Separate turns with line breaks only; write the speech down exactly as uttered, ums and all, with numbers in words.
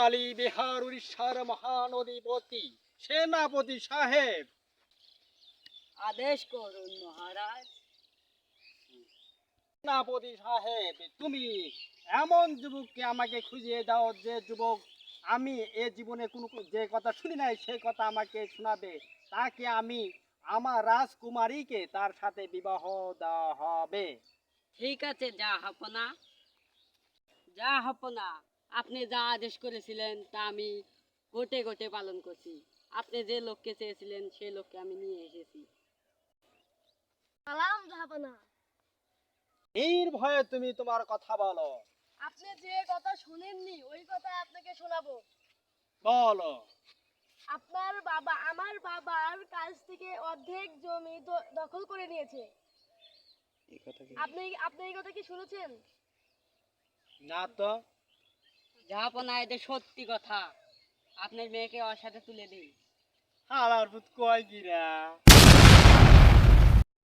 বালি বিহার উড়িষ্যার মহান অধিপতি সেনাপতি সাহেব,
আদেশ করুন মহারাজ।
সেনাপতি সাহেব, তুমি এমন যুবককে আমাকে খুঁজিয়ে দাও যে যুবক আমি এ জীবনে কোনো যে কথা শুনি নাই সেই কথা আমাকে শোনাবে, তাকে আমি আমার রাজকুমারীকে তার সাথে বিবাহ দেওয়া হবে।
ঠিক আছে যা হাপনা, যা হাপনা, আপনি যা আদেশ করেছিলেন তা আমি গোটে গোটে পালন করছি। আপনি যে লোককে চেয়েছিলেন সেই লোককে আমি নিয়ে এসেছি।
সালাম জাহাপনা।
নির্ভয়ে তুমি তোমার কথা বলো।
আপনি যে কথা শুনেননি ওই কথা আপনাকে শোনাবো।
বলো।
আপনার বাবা আমার বাবার কাছ থেকে অর্ধেক জমি দ- দখল করে নিয়েছে। আপনি আপনি এই কথা কি শুনেছেন?
না তো।
জাহাপনা, এটা সত্যি কথা। আপনার মেয়েকে ওর সাথে তুলে দিন।
হালার পুত কয় কিরা